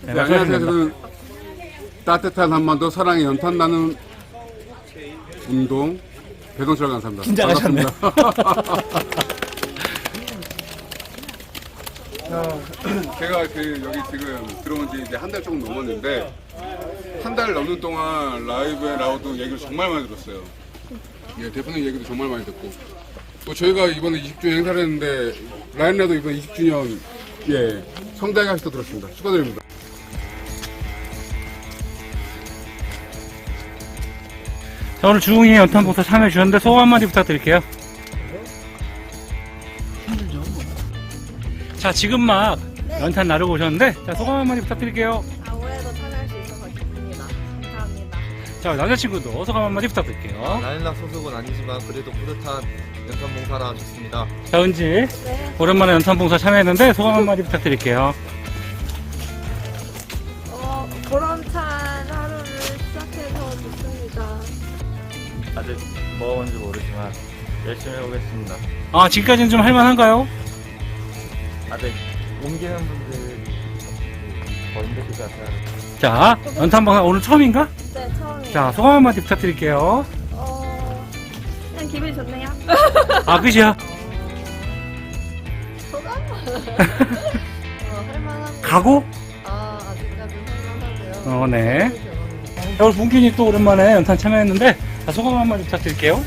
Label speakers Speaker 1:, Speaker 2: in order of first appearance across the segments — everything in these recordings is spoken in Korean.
Speaker 1: 네, 안녕하세요. 저는 따뜻한 한반도 사랑의 연탄 나는 운동 배동철 강사입니다.
Speaker 2: 긴장하셨네.
Speaker 1: 제가 여기 지금 들어온 지 이제 한 달 조금 넘었는데 한 달 넘는 동안 라이브에 라우드 얘기를 정말 많이 들었어요. 예, 대표님 얘기도 정말 많이 듣고 또 저희가 이번에 20주년 행사를 했는데 라인라도 이번에 20주년 예 성대하게 하시도 들었습니다. 축하드립니다.
Speaker 2: 자, 오늘 주웅이 연탄봉사 참여해 주셨는데 소감 한마디 부탁드릴게요. 자, 지금 막 연탄 나르고 오셨는데 자, 소감 한마디 부탁드릴게요.
Speaker 3: 올해도 참여할 수 있어서 기쁩니다. 감사합니다.
Speaker 2: 자, 남자친구도 소감 한마디 부탁드릴게요.
Speaker 4: 라인락 소속은 아니지만 그래도 뿌듯한 연탄 봉사라 좋습니다.
Speaker 2: 자, 은지
Speaker 3: 네.
Speaker 2: 오랜만에 연탄봉사 참여했는데 소감 한마디 부탁드릴게요.
Speaker 3: 보람찬 하루를 시작해서 좋습니다.
Speaker 5: 아직 뭐 뭔지 모르지만 열심히 해보겠습니다.
Speaker 2: 아, 지금까지는 좀 할만한가요?
Speaker 5: 아직 옮기는 분들이 더 힘드실 것 같아요.
Speaker 2: 자, 연탄봉사 오늘 처음인가?
Speaker 3: 네, 처음이에요.
Speaker 2: 자, 소감 한마디 부탁드릴게요.
Speaker 3: 그냥 기분이 좋네요.
Speaker 2: 아, 끝이야?
Speaker 3: 소감? 할만합니다.
Speaker 2: 가고?
Speaker 3: 아직까지는 할만하고요.
Speaker 2: 네. 자, 오늘 문균이 또 오랜만에 연탄 참여했는데 자, 소감 한마디 부탁드릴게요.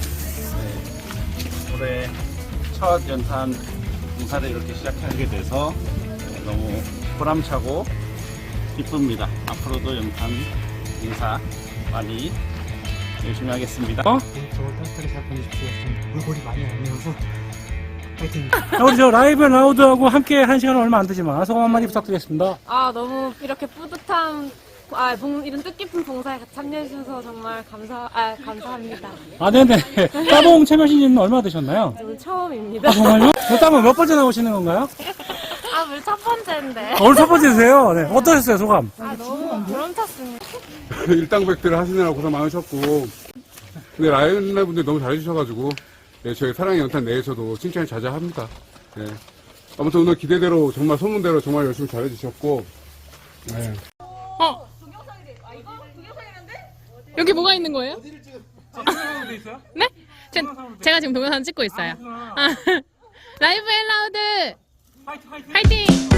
Speaker 6: 올해 첫 연탄 봉사를 이렇게 시작하게 돼서 너무 보람차고 기쁩니다. 앞으로도 연탄 봉사 많이 열심히 하겠습니다.
Speaker 2: 어?
Speaker 7: 저 따뜻하게 잘 보내십시오. 좀 물골이 많이 안 매워서 파이팅!
Speaker 2: 자, 우리 저 라이브 라우드하고 함께 한 시간은 얼마 안 되지만 소감 한마디 부탁드리겠습니다.
Speaker 3: 너무 이렇게 뿌듯한, 이런 뜻깊은 봉사에 참여해주셔서 정말 감사합니다.
Speaker 2: 아, 네네. 따봉 참여하신 지는 얼마 되셨나요?
Speaker 3: 오늘 처음입니다.
Speaker 2: 아, 정말요? 저 따봉 몇 번째 나오시는 건가요?
Speaker 3: 오늘 첫 번째인데.
Speaker 2: 오늘 첫 번째세요. 네. 어떠셨어요, 소감?
Speaker 3: 너무 보람찼습니다.
Speaker 1: 일당백들 하시느라 고생 많으셨고 근데 라이언라 분들 너무 잘해주셔가지고 예, 저희 사랑의 연탄 내에서도 칭찬이 자자합니다. 예. 아무튼 오늘 기대대로 정말 소문대로 정말 열심히 잘해주셨고 예.
Speaker 8: 여기 뭐가 있는 거예요? 네? 제가 지금 동영상 찍고 있어요. 라이브 앤 라우드! 화이팅!